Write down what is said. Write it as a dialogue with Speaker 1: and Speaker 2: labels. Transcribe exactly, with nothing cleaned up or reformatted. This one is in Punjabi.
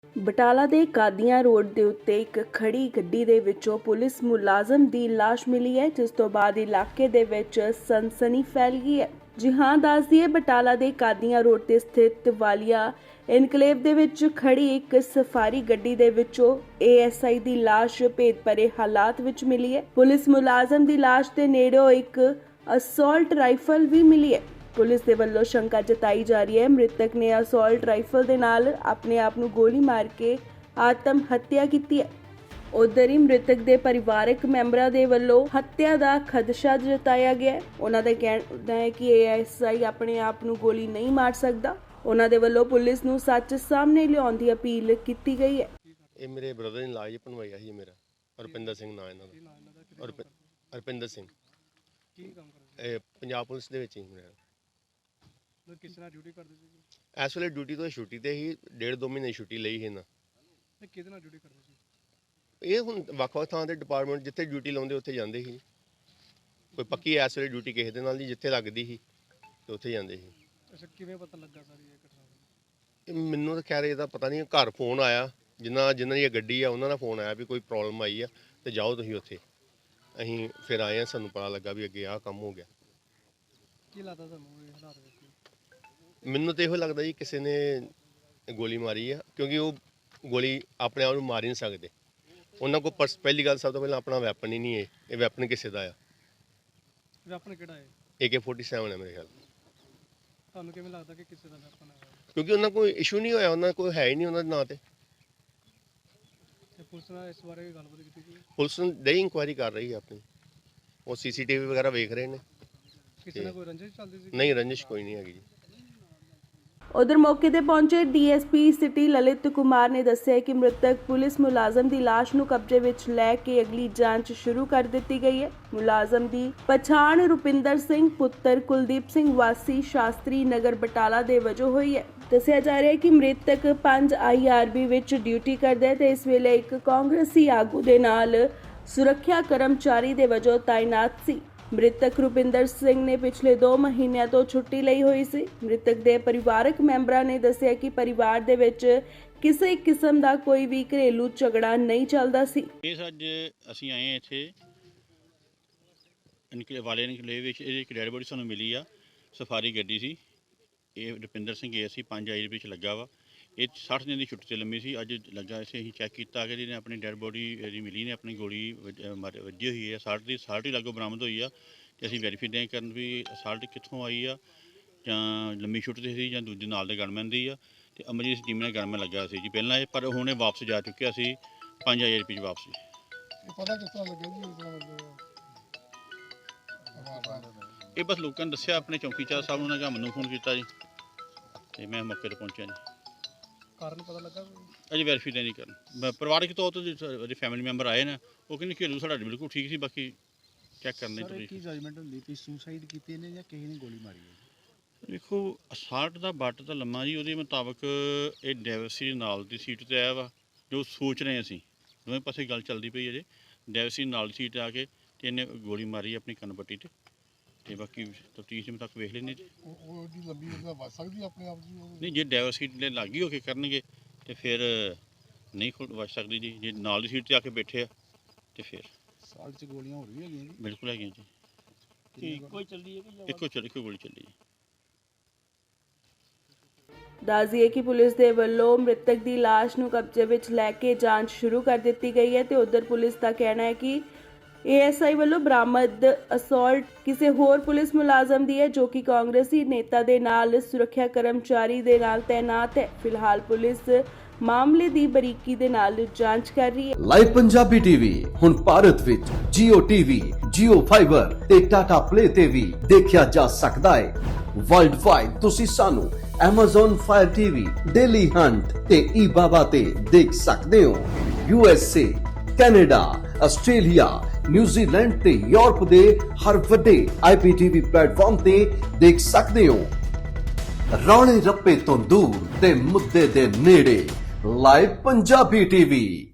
Speaker 1: ਬਟਾਲਾ ਦੇ ਕਾਦੀਆਂ ਰੋਡ ਦੇ ਉੱਤੇ ਇੱਕ ਖੜੀ ਗੱਡੀ ਦੇ ਵਿੱਚੋਂ ਪੁਲਿਸ ਮੁਲਾਜ਼ਮ ਦੀ ਲਾਸ਼ ਮਿਲੀ ਹੈ, ਜਿਸ ਤੋਂ ਬਾਅਦ ਇਲਾਕੇ ਦੇ ਵਿੱਚ ਸਨਸਨੀ ਫੈਲ ਗਈ ਹੈ। ਜੀ ਹਾਂ, ਦੱਸ ਦਈਏ ਬਟਾਲਾ ਦੇ ਕਾਦੀਆਂ ਰੋਡ ਤੇ ਸਥਿਤ ਵਾਲੀਆ ਇਨਕਲੇਵ ਦੇ ਵਿੱਚ ਖੜੀ ਇੱਕ ਸਫਾਰੀ ਗੱਡੀ ਦੇ ਵਿੱਚੋਂ ਏ ਐਸ ਆਈ ਦੀ ਲਾਸ਼ ਭੇਦ ਭਰੇ ਹਾਲਾਤ ਵਿੱਚ ਮਿਲੀ ਹੈ। ਪੁਲਿਸ ਮੁਲਾਜ਼ਮ ਦੀ ਲਾਸ਼ ਦੇ ਨੇੜਿਓਂ ਇੱਕ ਅਸੌਲਟ ਰਾਈਫਲ ਵੀ ਮਿਲੀ ਹੈ। ਪੁਲਿਸ ਦੇ ਵੱਲੋਂ ਸ਼ੰਕਾ ਜਤਾਈ ਜਾ ਰਹੀ ਹੈ ਮ੍ਰਿਤਕ ਨੇ ਅਸੌਲਟ ਰਾਈਫਲ ਦੇ ਨਾਲ ਆਪਣੇ ਆਪ ਨੂੰ ਗੋਲੀ ਮਾਰ ਕੇ ਆਤਮ ਹੱਤਿਆ ਕੀਤੀ ਹੈ। ਉਧਰ ਹੀ ਮ੍ਰਿਤਕ ਦੇ ਪਰਿਵਾਰਕ ਮੈਂਬਰਾਂ ਦੇ ਵੱਲੋਂ ਹੱਤਿਆ ਦਾ ਖਦਸ਼ਾ ਜਤਾਇਆ ਗਿਆ ਹੈ। ਉਹਨਾਂ ਦਾ ਕਹਿਣਾ ਹੈ ਕਿ ਏ ਐਸ ਆਈ ਆਪਣੇ ਆਪ ਨੂੰ ਗੋਲੀ ਨਹੀਂ ਮਾਰ ਸਕਦਾ। ਉਹਨਾਂ ਦੇ ਵੱਲੋਂ ਪੁਲਿਸ ਨੂੰ ਸੱਚ ਸਾਹਮਣੇ ਲਿਆਉਣ ਦੀ ਅਪੀਲ ਕੀਤੀ ਗਈ ਹੈ।
Speaker 2: ਇਹ ਮੇਰੇ ਬ੍ਰਦਰ ਨੇ ਲਾਜ ਬਣਵਾਇਆ ਸੀ ਮੇਰਾ ਰੁਪਿੰਦਰ ਸਿੰਘ ਨਾਂ ਇਹਨਾਂ ਦਾ। ਰੁਪ- ਰੁਪਿੰਦਰ ਸਿੰਘ
Speaker 3: ਕੀ ਕੰਮ ਕਰਦੇ
Speaker 2: ਇਹ ਪੰਜਾਬ ਪੁਲਿਸ ਦੇ ਵਿੱਚ ਹੀ ਮੇਰਾ
Speaker 3: ਸੀ? ਕਿਸ ਤਰ੍ਹਾਂ ਡਿਊਟੀ ਕਰਦੇ ਸੀ?
Speaker 2: ਇਸ ਵੇਲੇ ਡਿਊਟੀ ਤੋਂ ਛੁੱਟੀ ਤੇ ਹੀ ਡੇਢ ਦੋ ਮਹੀਨੇ ਛੁੱਟੀ ਲਈ ਸੀ ਨਾ।
Speaker 3: ਤੇ ਕਿਹਦੇ ਨਾਲ ਡਿਊਟੀ ਕਰਦੇ ਸੀ?
Speaker 2: ਇਹ ਹੁਣ ਵੱਖ-ਵੱਖ ਥਾਂ ਦੇ ਡਿਪਾਰਟਮੈਂਟ ਜਿੱਥੇ ਡਿਊਟੀ ਲਾਉਂਦੇ ਉੱਥੇ ਜਾਂਦੇ ਸੀ। ਕੋਈ ਪੱਕੀ ਇਸ ਵੇਲੇ ਡਿਊਟੀ ਕਿਸੇ ਦੇ ਨਾਲ ਨਹੀਂ, ਜਿੱਥੇ ਲੱਗਦੀ ਸੀ ਤੇ ਉੱਥੇ ਜਾਂਦੇ ਸੀ।
Speaker 3: ਅੱਛਾ, ਕਿਵੇਂ ਪਤਾ ਲੱਗਾ ਸਾਰੀ ਇਹ ਘਟਨਾ ਦਾ?
Speaker 2: ਇਹ ਮੈਨੂੰ ਤਾਂ ਖੈਰ ਇਹਦਾ ਪਤਾ ਨਹੀਂ, ਘਰ ਫੋਨ ਆਇਆ ਜਿਨ੍ਹਾਂ ਜਿਨ੍ਹਾਂ ਦੀ ਇਹ ਗੱਡੀ ਆ ਉਹਨਾਂ ਦਾ ਫੋਨ ਆਇਆ ਵੀ ਕੋਈ ਪ੍ਰੋਬਲਮ ਆਈ ਆ ਤੇ ਜਾਓ ਤੁਸੀਂ ਉੱਥੇ। ਅਸੀਂ ਫਿਰ ਆਏ ਆ, ਸਾਨੂੰ ਪਤਾ ਲੱਗਾ ਵੀ ਅੱਗੇ ਆਹ ਕੰਮ ਹੋ ਗਿਆ।
Speaker 3: ਕੀ ਲੱਗਦਾ ਤੁਹਾਨੂੰ ਇਹ ਹਾਲਾਤ ਵੇਖ ਕੇ?
Speaker 2: ਮੈਨੂੰ ਤਾਂ ਇਹੋ ਲੱਗਦਾ ਜੀ ਕਿਸੇ ਨੇ ਗੋਲੀ ਮਾਰੀ ਆ, ਕਿਉਂਕਿ ਉਹ ਗੋਲੀ ਆਪਣੇ ਆਪ ਨੂੰ ਮਾਰ ਹੀ ਨਹੀਂ ਸਕਦੇ। ਉਹਨਾਂ ਕੋਲ ਪਰਸ ਪਹਿਲੀ ਗੱਲ ਸਭ ਤੋਂ ਪਹਿਲਾਂ ਆਪਣਾ ਵੈਪਨ ਹੀ ਨਹੀਂ ਹੈ। ਇਹ ਵੈਪਨ ਕਿਸੇ ਦਾ ਆ?
Speaker 3: ਵੈਪਨ ਕਿਹੜਾ ਹੈ?
Speaker 2: ਏ ਕੇ ਫੋਰਟੀ ਸੈਵਨ ਹੈ ਮੇਰੇ ਖਿਆਲ।
Speaker 3: ਤੁਹਾਨੂੰ ਕਿਵੇਂ ਲੱਗਦਾ ਕਿ ਕਿਸੇ ਦਾ ਵੈਪਨ ਹੈ?
Speaker 2: ਕਿਉਂਕਿ ਉਹਨਾਂ ਕੋਈ ਇਸ਼ੂ ਨਹੀਂ ਹੋਇਆ, ਉਹਨਾਂ ਕੋਈ ਹੈ ਹੀ ਨਹੀਂ ਉਹਨਾਂ ਦੇ ਨਾਂ ਤੇ।
Speaker 3: ਤੇ ਪੁਲਿਸ ਨਾਲ ਇਸ ਬਾਰੇ ਗੱਲਬਾਤ ਕੀਤੀ ਸੀ?
Speaker 2: ਪੁਲਿਸ ਦੇ ਇਨਕੁਆਇਰੀ ਕਰ ਰਹੀ ਹੈ ਆਪਣੀ, ਉਹ ਸੀ ਸੀ ਟੀ ਵੀ ਵਗੈਰਾ ਵੇਖ ਰਹੇ ਨੇ।
Speaker 3: ਕਿਸੇ ਨਾਲ ਕੋਈ ਰੰਜਿਸ਼ ਚੱਲਦੀ ਸੀ?
Speaker 2: ਨਹੀਂ, ਰੰਜਿਸ਼ ਕੋਈ ਨਹੀਂ ਹੈਗੀ ਜੀ।
Speaker 1: ਉਧਰ ਮੌਕੇ ਤੇ ਪਹੁੰਚੇ D S P city Lalit Kumar ਨੇ ਦੱਸਿਆ ਕਿ ਮ੍ਰਿਤਕ ਪੁਲਿਸ ਮੁਲਾਜ਼ਮ ਦੀ ਲਾਸ਼ ਨੂੰ ਕਬਜ਼ੇ ਵਿੱਚ ਲੈ ਕੇ ਅਗਲੀ ਜਾਂਚ ਸ਼ੁਰੂ ਕਰ ਦਿੱਤੀ ਗਈ ਹੈ। ਮੁਲਾਜ਼ਮ ਦੀ ਪਛਾਣ ਰੁਪਿੰਦਰ ਸਿੰਘ ਪੁੱਤਰ ਕੁਲਦੀਪ ਸਿੰਘ ਵਾਸੀ ਸ਼ਾਸਤਰੀ ਨਗਰ ਬਟਾਲਾ ਦੇ ਵਜੋਂ ਹੋਈ ਹੈ। ਦੱਸਿਆ ਜਾ ਰਿਹਾ ਹੈ ਕਿ ਮ੍ਰਿਤਕ ਪੰਜ ਆਈ ਆਰ ਬੀ ਵਿੱਚ ਡਿਊਟੀ ਕਰਦਾ ਹੈ ਤੇ ਇਸ ਵੇਲੇ ਇੱਕ ਕਾਂਗਰਸੀ ਆਗੂ ਦੇ ਨਾਲ ਸੁਰੱਖਿਆ ਕਰਮਚਾਰੀ ਦੇ ਵਜੋਂ ਤਾਇਨਾਤ ਸੀ। ਮ੍ਰਿਤਕ ਰੁਪਿੰਦਰ ਸਿੰਘ ਨੇ ਪਿਛਲੇ ਦੋ ਮਹੀਨਿਆਂ ਤੋਂ ਛੁੱਟੀ ਲਈ ਹੋਈ ਸੀ। ਮ੍ਰਿਤਕ ਦੇ ਪਰਿਵਾਰਕ ਮੈਂਬਰਾਂ ਨੇ ਦੱਸਿਆ ਕਿ ਪਰਿਵਾਰ ਦੇ ਵਿੱਚ ਕਿਸੇ ਕਿਸਮ ਦਾ ਕੋਈ ਵੀ ਘਰੇਲੂ ਝਗੜਾ ਨਹੀਂ ਚੱਲਦਾ ਸੀ।
Speaker 4: ਇਹ ਅੱਜ ਅਸੀਂ ਆਏ ਇੱਥੇ ਇਨਕਲੇ ਵਾਲੇ ਇਨਕਲੇ ਵਿੱਚ ਇਹ ਇੱਕ ਡੈਡ ਬੋਡੀ ਸਾਨੂੰ ਮਿਲੀ ਆ। ਸਫਾਰੀ ਗੱਡੀ ਸੀ, ਇਹ ਰੁਪਿੰਦਰ ਸਿੰਘ ਏ ਸੀ ਪੰਜ ਆਈ ਵਿੱਚ ਲੱਗਾ ਵਾ। ਇਹ ਸੱਠ ਦਿਨ ਦੀ ਛੁੱਟੀ ਤੇ ਲੰਮੀ ਸੀ। ਅੱਜ ਲੱਗਾ ਸੀ, ਅਸੀਂ ਚੈੱਕ ਕੀਤਾ ਕਿ ਇਹਨੇ ਆਪਣੀ ਡੈਡ ਬੋਡੀ ਇਹਦੀ ਮਿਲੀ ਨੇ, ਆਪਣੀ ਗੋਲੀ ਵੱਜੀ ਹੋਈ ਹੈ। ਸਾਲਟ ਦੀ ਸਾਲਟ ਹੀ ਲਾਗੋਂ ਬਰਾਮਦ ਹੋਈ ਆ ਤੇ ਅਸੀਂ ਵੈਰੀਫਾਈ ਦੇ ਕਰਨ ਵੀ ਸਾਲਟ ਕਿੱਥੋਂ ਆਈ ਆ, ਜਾਂ ਲੰਮੀ ਛੁੱਟੀ ਤੇ ਸੀ ਜਾਂ ਦੂਜੇ ਨਾਲ ਦੇ ਗਨਮੈਨ ਦੀ ਆ। ਤੇ ਅਮਰਜੀਤ ਟੀਮ ਨੇ ਗਨਮੈਨ ਲੱਗਾ ਸੀ ਜੀ ਪਹਿਲਾਂ ਇਹ, ਪਰ ਹੁਣ ਇਹ ਵਾਪਸ ਜਾ ਚੁੱਕਿਆ ਸੀ ਪੰਜ ਹਜ਼ਾਰ ਰੁਪਏ ਵਾਪਸ।
Speaker 3: ਇਹ ਪਤਾ ਕਿਸ ਤਰ੍ਹਾਂ ਲੱਗਿਆ ਜੀ? ਇਸ ਤਰ੍ਹਾਂ
Speaker 4: ਇਹ ਬਸ ਲੋਕਾਂ ਨੇ ਦੱਸਿਆ, ਆਪਣੇ ਚੌਕੀਦਾਰ ਸਾਹਿਬ ਨੂੰ, ਉਹਨਾਂ ਮੈਨੂੰ ਫੋਨ ਕੀਤਾ ਜੀ ਤੇ ਮੈਂ ਮੌਕੇ ਤੇ ਪਹੁੰਚਿਆ ਜੀ।
Speaker 3: ਕਾਰਨ ਪਤਾ ਲੱਗਾ?
Speaker 4: ਅਜੇ ਵੈਰੀਫਾਈ ਨਹੀਂ ਕਰਨ। ਪਰਿਵਾਰਕ ਤੌਰ ਤੇ ਜਿਹੜੇ ਫੈਮਿਲੀ ਮੈਂਬਰ ਆਏ ਨੇ ਉਹ ਕਹਿੰਦੇ ਘਰੇਲੂ ਸਾਡਾ ਬਿਲਕੁਲ ਠੀਕ ਸੀ, ਬਾਕੀ ਚੈੱਕ ਕਰਨੇ
Speaker 5: ਸਰ ਕੀ ਜਜਮੈਂਟ ਹੁੰਦੀ ਕਿ ਸੁਸਾਈਡ ਕੀਤੀ ਨੇ ਜਾਂ ਕਿਸੇ ਨੇ ਗੋਲੀ ਮਾਰੀ ਹੈ?
Speaker 4: ਦੇਖੋ, ਅਸਾਲਟ ਦਾ ਬੱਟ ਤਾਂ ਲੰਮਾ ਜੀ, ਉਹਦੇ ਮੁਤਾਬਕ ਇਹ ਡੈਵਸੀ ਨਾਲ ਦੀ ਸੀਟ ਤੇ ਆਇਆ ਵਾ। ਜੋ ਸੋਚ ਰਹੇ ਅਸੀਂ ਦੋਵੇਂ ਪਾਸੇ ਗੱਲ ਚੱਲਦੀ ਪਈ ਅਜੇ, ਡੈਵਸੀ ਨਾਲ ਦੀ ਸੀਟ ਆ ਕੇ ਤੇ ਇਹਨੇ ਗੋਲੀ ਮਾਰੀ ਆਪਣੀ ਕੰਨ ਪੱਟੀ ਤੇ ਤੇ ਬਾਕੀ ਤਫਤੀਸ਼ ਦੇ ਮੁਤਾਬਕ ਵੇਖ ਲੈਂਦੇ ਜੀ।
Speaker 3: ਉਹ ਦੀ ਲੰਬੀ ਉਹਦਾ ਵੱਜ ਸਕਦੀ ਆਪਣੇ ਆਪ ਜੀ?
Speaker 4: ਨਹੀਂ, ਜੇ ਡੈਵਰ ਸੀਟ ਦੇ ਲਾਗੀ ਹੋ ਕੇ ਕਰਨਗੇ ਤੇ ਫਿਰ ਨਹੀਂ ਖੁੱਲ ਵੱਜ ਸਕਦੀ ਜੀ। ਜੇ ਨਾਲ ਦੀ ਸੀਟ ਤੇ ਆ ਕੇ ਬੈਠੇ ਆ ਤੇ ਫਿਰ
Speaker 5: ਸਾਲ ਚ ਗੋਲੀਆਂ ਹੋਰ ਵੀ ਹੈਗੀਆਂ ਜੀ?
Speaker 4: ਬਿਲਕੁਲ ਹੈਗੀਆਂ ਜੀ।
Speaker 5: ਕੋਈ ਚੱਲਦੀ ਹੈ ਕਿ
Speaker 4: ਇੱਕੋ ਚੱਲ ਇੱਕੋ ਗੋਲੀ ਚੱਲੀ ਜੀ।
Speaker 1: ਦੱਸ ਦਈਏ ਕਿ ਪੁਲਿਸ ਦੇ ਵੱਲੋਂ ਮ੍ਰਿਤਕ ਦੀ ਲਾਸ਼ ਨੂੰ ਕਬਜ਼ੇ ਵਿੱਚ ਲੈ ਕੇ ਜਾਂਚ ਸ਼ੁਰੂ ਕਰ ਦਿੱਤੀ ਗਈ ਹੈ ਤੇ ਉਧਰ ਪੁਲਿਸ ਦਾ ਕਹਿਣਾ ਹੈ ਕਿ ਏ ਐਸ ਆਈ ਵੱਲੋਂ ਬਰਾਮਦ ਅਸੌਲਟ ਕਿਸੇ ਹੋਰ ਪੁਲਿਸ ਮੁਲਾਜ਼ਮ ਦੀ ਹੈ, ਜੋ ਕਿ ਕਾਂਗਰਸੀ ਨੇਤਾ ਦੇ ਨਾਲ ਸੁਰੱਖਿਆ ਕਰਮਚਾਰੀ ਦੇ ਨਾਲ ਤਾਇਨਾਤ ਹੈ। ਫਿਲਹਾਲ ਪੁਲਿਸ ਮਾਮਲੇ ਦੀ ਬਰੀਕੀ ਦੇ ਨਾਲ ਜਾਂਚ ਕਰ ਰਹੀ ਹੈ।
Speaker 6: ਲਾਈਵ ਪੰਜਾਬੀ ਟੀਵੀ ਹੁਣ ਭਾਰਤ ਵਿੱਚ ਜੀਓ ਟੀਵੀ, ਜੀਓ ਫਾਈਬਰ ਤੇ ਟਾਟਾ ਪਲੇ ਤੇ ਵੀ ਦੇਖਿਆ ਜਾ ਸਕਦਾ ਹੈ। ਵਰਲਡ ਵਾਈਡ ਤੁਸੀਂ ਸਾਨੂੰ Amazon Fire T V, Dailyhunt ਤੇ ਈ ਬਾਬਾ ਤੇ ਦੇਖ ਸਕਦੇ ਹੋ। U S A, Canada, Australia, New Zealand ਤੇ ਯੂਰਪ ਦੇ ਹਰ ਵੱਡੇ ਆਈ ਪੀ ਟੀ ਵੀ ਪਲੇਟਫਾਰਮ ਤੇ ਦੇਖ ਸਕਦੇ ਹੋ। ਰੌਲੇ ਰੱਪੇ ਤੋਂ ਦੂਰ ਤੇ ਮੁੱਦੇ ਦੇ ਨੇੜੇ, ਲਾਈਵ ਪੰਜਾਬੀ ਟੀਵੀ।